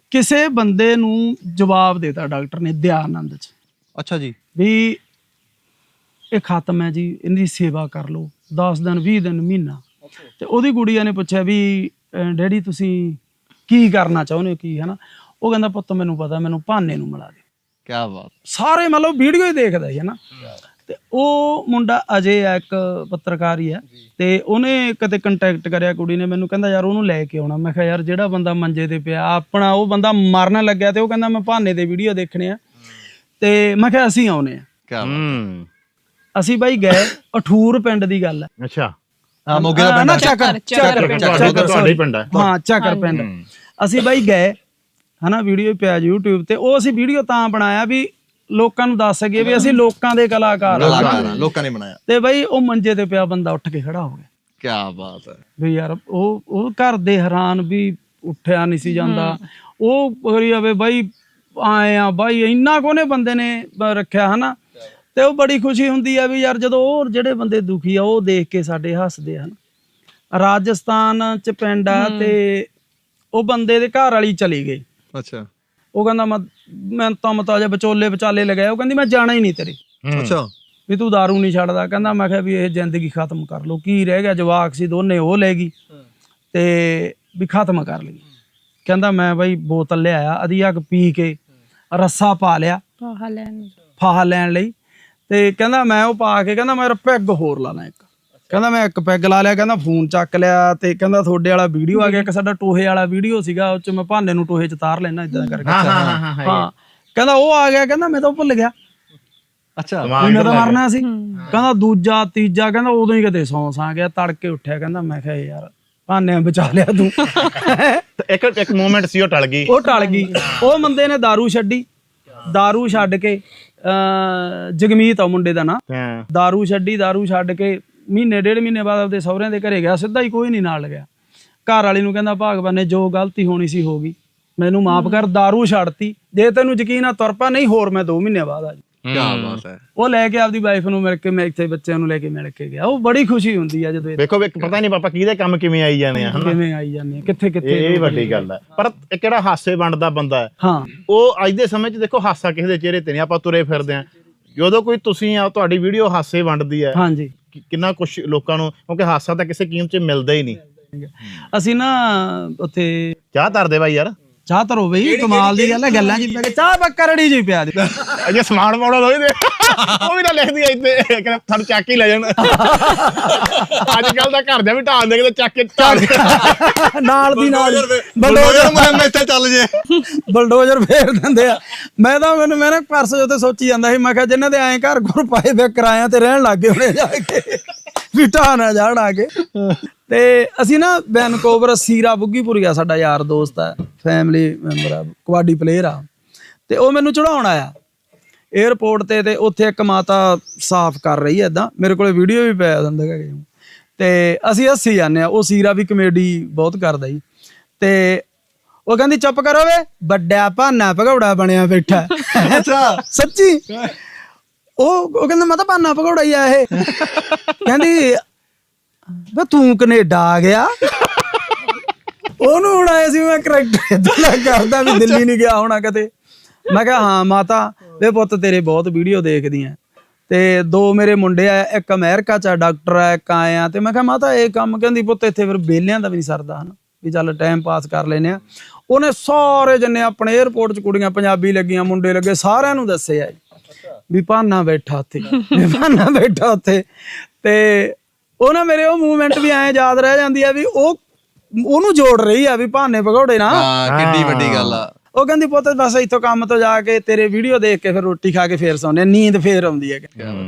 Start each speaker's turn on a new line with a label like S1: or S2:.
S1: ਕਿਸੇ ਬੰਦੇ ਨੂੰ ਜਵਾਬ ਦੇਤਾ ਡਾਕਟਰ ਨੇ ਦਿਆਨੰਦ ਚ।
S2: ਅੱਛਾ ਜੀ।
S1: ਵੀ ਇਹ ਖਤਮ ਹੈ ਜੀ, ਇਹਦੀ ਸੇਵਾ ਕਰ ਲਓ 10 ਦਿਨ 20 ਦਿਨ ਮਹੀਨਾ। ਤੇ ਉਹਦੀ ਗੁੜੀਆ ਨੇ ਪੁੱਛਿਆ ਵੀ ਡੈਡੀ ਤੁਸੀਂ ਕੀ ਕਰਨਾ ਚਾਹੁੰਦੇ ਹੋ ਕੀ, ਹੈ ਨਾ। ਉਹ ਕਹਿੰਦਾ ਪੁੱਤ ਮੈਨੂੰ ਪਤਾ, ਮੈਨੂੰ ਭਾਨੇ ਨੂੰ ਮਿਲਾ ਦੇ।
S2: ਕਿਆ ਬਾਤ।
S1: ਸਾਰੇ ਮਤਲਬ ਵੀਡੀਓ ਹੀ ਦੇਖਦਾ ਹੈ ਨਾ। ਤੇ ਉਹ ਮੁੰਡਾ ਅਜੇ ਆ, ਇੱਕ ਪੱਤਰਕਾਰ ਹੀ ਆ, ਤੇ ਉਹਨੇ ਕਦੇ ਕੰਟੈਕਟ ਕਰਿਆ ਕੁੜੀ ਨੇ ਮੈਨੂੰ, ਕਹਿੰਦਾ ਯਾਰ ਉਹਨੂੰ ਲੈ ਕੇ ਆਉਣਾ। ਮੈਂ ਕਿਹਾ ਯਾਰ ਜਿਹੜਾ ਬੰਦਾ ਮੰਜੇ ਤੇ ਪਿਆ ਆਪਣਾ, ਉਹ ਬੰਦਾ ਮਰਨ ਲੱਗਿਆ ਤੇ ਉਹ ਕਹਿੰਦਾ ਮੈਂ ਭਾਨੇ ਦੇ ਵੀਡੀਓ ਦੇਖਣੇ ਆ, ਤੇ ਮੈਂ ਕਿਹਾ ਅਸੀਂ ਆਉਨੇ ਆ।
S2: ਕਿਆ ਬਾਤ।
S1: ਅਸੀਂ ਬਾਈ ਗਏ, ਅਠੂਰ ਪਿੰਡ ਦੀ ਗੱਲ ਹੈ।
S3: ਅੱਛਾ
S2: ਹਾਂ, ਮੋਗੇ ਦਾ ਪਿੰਡ।
S3: ਤੁਹਾਡਾ ਹੀ ਪਿੰਡ ਹੈ।
S1: ਹਾਂ, ਚੱਕਰ ਪਿੰਡ। ਅਸੀਂ ਬਾਈ ਗਏ ਹਨਾ, ਵੀਡੀਓ ਪਿਆ YouTube ਤੇ। ਉਹ ਅਸੀਂ ਵੀਡੀਓ ਤਾਂ ਬਣਾਇਆ ਵੀ ਲੋਕਾਂ ਨੂੰ ਦੱਸ ਸਕੀਏ ਵੀ ਅਸੀਂ ਲੋਕਾਂ ਦੇ ਕਲਾਕਾਰ
S2: ਲੋਕਾਂ ਨੇ ਬਣਾਇਆ।
S1: ਤੇ ਬਈ ਉਹ ਮੰਜੇ ਤੇ ਪਿਆ ਬੰਦਾ ਉੱਠ ਕੇ ਖੜਾ ਹੋ ਗਿਆ।
S2: ਕਿਆ ਬਾਤ ਹੈ
S1: ਵੀ ਯਾਰ ਉਹ ਘਰ ਦੇ ਹੈਰਾਨ ਵੀ ਉੱਠਿਆ ਨਹੀਂ ਸੀ ਜਾਂਦਾ। ਉਹ ਕਰੀ ਜਾਵੇ ਬਾਈ ਆਏ ਆ ਬਾਈ, ਇੰਨਾ ਕੋਨੇ ਬੰਦੇ ਨੇ ਰੱਖਿਆ ਹਨਾ। ਤੇ ਉਹ ਬੜੀ ਖੁਸ਼ੀ ਹੁੰਦੀ ਆ ਵੀ ਯਾਰ ਜਦੋਂ ਉਹ ਜਿਹੜੇ ਬੰਦੇ ਦੁਖੀ ਆ ਉਹ ਦੇਖ ਕੇ ਸਾਡੇ ਹੱਸਦੇ ਹਨ। ਰਾਜਸਥਾਨ ਚ ਪਿੰਡ ਆ ਤੇ ਉਹ ਬੰਦੇ ਦੇ ਘਰ ਵਾਲੀ ਚਲੀ ਗਈ।
S2: ਅੱਛਾ।
S1: ਉਹ ਕਹਿੰਦਾ ਮੈਂ ਤਾਂ ਮਤਾ ਵਿਚੋਲੇ ਵਿਚਾਲੇ ਲਗਾਇਆ। ਉਹ ਕਹਿੰਦੀ ਮੈਂ ਜਾਣਾ ਹੀ ਨਹੀਂ ਤੇਰੇ।
S2: ਅੱਛਾ।
S1: ਵੀ ਤੂੰ ਦਾਰੂ ਨਹੀਂ ਛੱਡਦਾ। ਕਹਿੰਦਾ ਮੈਂ ਕਿਹਾ ਵੀ ਇਹ ਜ਼ਿੰਦਗੀ ਖਤਮ ਕਰ ਲਓ, ਕੀ ਰਹਿ ਗਿਆ, ਜਵਾਕ ਸੀ ਦੋਨੇ ਉਹ ਲੈ ਗਈ ਤੇ ਵੀ ਖਤਮ ਕਰ ਲਈ। ਕਹਿੰਦਾ ਮੈਂ ਬਾਈ ਬੋਤਲ ਲਿਆਇਆ, ਅਧੀ ਅੱਗ ਪੀ ਕੇ ਰੱਸਾ ਪਾ ਲਿਆ ਫਾਹਾ ਲੈਣ ਲਈ। ਤੇ ਕਹਿੰਦਾ ਮੈਂ ਉਹ ਪਾ ਕੇ ਕਹਿੰਦਾ ਮੈਂ ਪੈਗ ਹੋਰ ਲਾ ਲਾ ਇੱਕ। ਕਹਿੰਦਾ ਮੈਂ ਇੱਕ ਪੈਗ ਲਾ ਲਿਆ। ਕਹਿੰਦਾ ਫੋਨ ਚੱਕ ਲਿਆ ਤੇ ਕਹਿੰਦਾ ਤੁਹਾਡੇ ਵਾਲਾ ਵੀਡੀਓ ਆ ਗਿਆ, ਇੱਕ ਸਾਡਾ ਟੋਹੇ ਵਾਲਾ ਵੀਡੀਓ ਸੀਗਾ, ਉਹ ਚ ਮੈਂ ਭਾਨੇ ਨੂੰ ਟੋਹੇ ਚ ਤਾਰ ਲੈਣਾ ਇਦਾਂ ਕਰਕੇ। ਹਾਂ ਕਹਿੰਦਾ ਉਹ ਆ ਗਿਆ। ਕਹਿੰਦਾ ਮੈਂ ਤਾਂ ਭੁੱਲ ਗਿਆ।
S2: ਅੱਛਾ।
S1: ਮੈਂ ਤਾਂ ਮਰਨਾ ਸੀ। ਕਹਿੰਦਾ ਦੂਜਾ ਤੀਜਾ ਕਹਿੰਦਾ ਉਦੋਂ ਹੀ ਕਿਤੇ ਸੌਂ ਆ ਗਿਆ, ਤੜਕੇ ਉੱਠਿਆ। ਕਹਿੰਦਾ ਮੈਂ ਕਿਹਾ ਯਾਰ ਭਾਨੇ ਬਚਾ ਲਿਆ ਤੂੰ।
S3: ਇੱਕ ਮੂਮੈਂਟ ਸੀ ਉਹ ਟਲ ਗਈ।
S1: ਉਹ ਟਲ ਗਈ। ਉਹ ਬੰਦੇ ਨੇ ਦਾਰੂ ਛੱਡੀ। ਦਾਰੂ ਛੱਡ ਕੇ ਜਗਮੀਤ ਆ ਮੁੰਡੇ ਦਾ ਨਾਂ। ਦਾਰੂ ਛੱਡੀ, ਦਾਰੂ ਛੱਡ ਕੇ ਮਹੀਨੇ ਡੇਢ ਮਹੀਨੇ ਬਾਅਦ ਆਪਦੇ ਸਹੁਰਿਆਂ ਦੇ ਘਰੇ ਗਿਆ। ਸਿੱਧਾ ਹੀ, ਕੋਈ ਨਹੀਂ ਨਾਲ ਗਿਆ। ਘਰ ਵਾਲੀ ਨੂੰ ਕਹਿੰਦਾ ਭਾਗਵਾਨ ਨੇ ਜੋ ਗਲਤੀ ਹੋਣੀ ਸੀ ਹੋ ਗਈ, ਮੈਨੂੰ ਮਾਫ ਕਰ, ਦਾਰੂ ਛੱਡਤੀ। ਜੇ ਤੈਨੂੰ ਯਕੀਨ ਆ ਤੁਰ ਪਾ, ਨਹੀਂ ਹੋਰ ਮੈਂ 2 ਮਹੀਨੇ ਬਾਅਦ ਆ ਜੀ।
S2: ਕਿਆ ਬਾਤ ਹੈ।
S1: ਉਹ ਲੈ ਕੇ ਆਪਦੀ ਵਾਈਫ ਨੂੰ ਮਿਲ ਕੇ, ਮੈਂ ਇੱਥੇ ਬੱਚਿਆਂ ਨੂੰ ਲੈ ਕੇ ਮਿਲ ਕੇ ਗਿਆ। ਉਹ ਬੜੀ ਖੁਸ਼ੀ ਹੁੰਦੀ ਆ ਜਦੋਂ
S3: ਵੇਖੋ ਪਤਾ ਨਹੀਂ ਪਾਪਾ ਕਿਹਦੇ ਕੰਮ ਕਿਵੇਂ ਆਈ ਜਾਣੇ ਆ,
S1: ਕਿਵੇਂ ਆਈ ਜਾਂਦੇ ਕਿੱਥੇ ਕਿੱਥੇ।
S3: ਇਹ ਵੱਡੀ ਗੱਲ ਹੈ। ਪਰ ਇੱਕ ਜਿਹੜਾ ਹਾਸੇ ਵੰਡਦਾ ਬੰਦਾ ਹੈ,
S1: ਹਾਂ,
S3: ਉਹ ਅੱਜ ਦੇ ਸਮੇਂ 'ਚ ਦੇਖੋ ਹਾਸਾ ਕਿਸੇ ਦੇ ਚਿਹਰੇ ਤੇ ਨਹੀਂ। ਆਪਾਂ ਤੁਰੇ ਫਿਰਦੇ ਆ, ਜਦੋਂ ਕੋਈ ਤੁਸੀਂ ਆ ਤੁਹਾਡੀ ਵੀਡੀਓ ਹਾਸੇ ਵੰਡਦੀ ਹੈ,
S1: ਹਾਂਜੀ,
S3: ਕਿੰਨਾ ਕੁਛ ਲੋਕਾਂ ਨੂੰ, ਕਿਉਂਕਿ ਹਾਸਾ ਤਾਂ ਕਿਸੇ ਕੀਮਤ 'ਚ ਮਿਲਦਾ ਹੀ ਨਹੀਂ।
S1: ਅਸੀਂ ਨਾ ਉੱਥੇ
S3: ਚਾਹ ਧਰਦੇ ਬਾਈ ਯਾਰ,
S1: ਚਾਹ ਧਰੋ ਬਈ, ਕਮਾਲ ਦੀ ਗੱਲ ਹੈ। ਗੱਲਾਂ ਜੀ ਪੈ ਕੇ ਚਾਹ ਪੱਕਾ ਰੜੀ ਜੀ ਪਿਆ ਦੀ।
S3: ਅਜੇ ਸਮਾਨ ਪਾਉਣਾ ਦੋਈ ਦੇ ਉਹ ਵੀ ਤਾਂ ਲਿਖਦੀ ਆ ਇੱਥੇ, ਕਹਿੰਦਾ ਤੁਹਾਨੂੰ ਚੱਕ ਹੀ ਲੈ ਜਾਣ। ਅੱਜ ਕੱਲ ਤਾਂ ਘਰ ਦੇ ਵੀ ਢਾਣ ਦੇ ਕਿਤੇ ਚੱਕ ਕੇ
S1: ਨਾਲ ਦੀ ਨਾਲ
S2: ਬਲਡੋਜ਼ਰ ਮੁਹਿੰਮ ਇੱਥੇ ਚੱਲ ਜੇ,
S1: ਬਲਡੋਜ਼ਰ ਫੇਰ ਦਿੰਦੇ ਆ। ਮੈਂ ਨਾ ਪਰਸੋਂ ਉੱਥੇ ਸੋਚੀ ਜਾਂਦਾ ਸੀ, ਮੈਂ ਕਿਹਾ ਜਿਨ੍ਹਾਂ ਦੇ ਐਂ ਘਰ ਘੁਰ ਪਾਏ ਵੇ ਕਿਰਾਇਆ ਤੇ ਰਹਿਣ ਲੱਗ ਗਏ ਹੁਣੇ ਜਾ ਕੇ, ਵੀ ਢਾਹ ਨਾ ਜਾਣ ਆ ਕੇ। ਤੇ ਅਸੀਂ ਨਾ ਵੈਨਕੂਵਰ, ਸੀਰਾ ਬੁੱਗੀਪੁਰੀਆ ਸਾਡਾ ਯਾਰ ਦੋਸਤ ਆ, ਫੈਮਿਲੀ ਮੈਂਬਰ ਆ, ਕਬੱਡੀ ਪਲੇਅਰ ਆ। ਤੇ ਉਹ ਮੈਨੂੰ ਚੜਾਉਣ ਆਇਆ ਏਅਰਪੋਰਟ ਤੇ ਉੱਥੇ ਇੱਕ ਮਾਤਾ ਸਾਫ਼ ਕਰ ਰਹੀ ਹੈ ਏਦਾਂ, ਮੇਰੇ ਕੋਲ ਵੀਡੀਓ ਵੀ ਪਿਆ ਦਿੰਦਾ ਹੈਗਾ। ਤੇ ਅਸੀਂ ਹੱਸੀ ਜਾਂਦੇ ਆ। ਉਹ ਸੀਰਾ ਵੀ ਕਮੇਡੀ ਬਹੁਤ ਕਰਦਾ ਜੀ। ਤੇ ਉਹ ਕਹਿੰਦੀ ਚੁੱਪ ਕਰੋ ਵੇ, ਵੱਡਾ ਭਾਨਾ ਭਗੌੜਾ ਬਣਿਆ ਬੈਠਾ।
S2: ਅੱਛਾ,
S1: ਸੱਚੀ। ਉਹ ਕਹਿੰਦਾ ਮੈਂ ਤਾਂ ਭਾਨਾ ਭਗੌੜਾ ਹੀ ਆ ਇਹ। ਕਹਿੰਦੀ ਵੇ ਤੂੰ ਕਨੇਡਾ ਆ ਗਿਆ। ਉਹਨੂੰ ਹੁਣ ਆਇਆ ਸੀ ਮੈਂ ਕਰੈਕਟਰ ਏਦਾਂ ਕਰਦਾ ਵੀ ਦਿੱਲੀ ਨਹੀਂ ਗਿਆ ਹੋਣਾ ਕਦੇ। ਮੈਂ ਕਿਹਾ ਹਾਂ ਮਾਤਾ, ਵੇ ਪੁੱਤ ਤੇਰੇ ਬਹੁਤ ਵੀਡੀਓ ਦੇਖਦੀਆਂ ਤੇ 2 ਮੇਰੇ ਮੁੰਡੇ ਆ, ਇੱਕ ਅਮਰੀਕਾ ਚ ਡਾਕਟਰ ਆ, ਇੱਕ ਆਇਆ। ਤੇ ਮੈਂ ਕਿਹਾ ਮਾਤਾ ਇਹ ਕੰਮ, ਕਹਿੰਦੀ ਪੁੱਤ ਇੱਥੇ ਫਿਰ ਵਿਹਲਿਆਂ ਦਾ ਵੀ ਨਹੀਂ ਸਰਦਾ ਹਨਾ, ਵੀ ਚੱਲ ਟਾਈਮ ਪਾਸ ਕਰ ਲੈਨੇ ਆ। ਉਹਨੇ ਸਾਰੇ ਜਣੇ ਆਪਣੇ ਏਅਰਪੋਰਟ ਚ, ਕੁੜੀਆਂ ਪੰਜਾਬੀ ਲੱਗੀਆਂ, ਮੁੰਡੇ ਲੱਗੇ, ਸਾਰਿਆਂ ਨੂੰ ਦੱਸਿਆ ਵੀ ਭਾਨਾ ਬੈਠਾ ਉੱਥੇ, ਭਾਨਾ ਬੈਠਾ ਉੱਥੇ। ਤੇ ਉਹ ਨਾ ਮੇਰੇ ਉਹ ਮੂਵਮੈਂਟ ਵੀ ਐਂ ਯਾਦ ਰਹਿ ਜਾਂਦੀ ਆ ਵੀ ਉਹਨੂੰ ਜੋੜ ਰਹੀ ਆ ਵੀ ਭਾਨੇ ਭਗੌੜੇ ਨਾ।
S2: ਕਿੰਨੀ ਵੱਡੀ ਗੱਲ ਆ।
S1: ਉਹ ਕਹਿੰਦੀ ਪੁੱਤ ਬਸ ਇੱਥੋਂ ਕੰਮ ਤੋਂ ਜਾ ਕੇ ਤੇਰੇ ਵੀਡੀਓ ਦੇਖ ਕੇ ਫਿਰ ਰੋਟੀ ਖਾ ਕੇ ਫੇਰ ਸੌਂਦੇ, ਨੀਂਦ ਫੇਰ ਆਉਂਦੀ ਹੈ।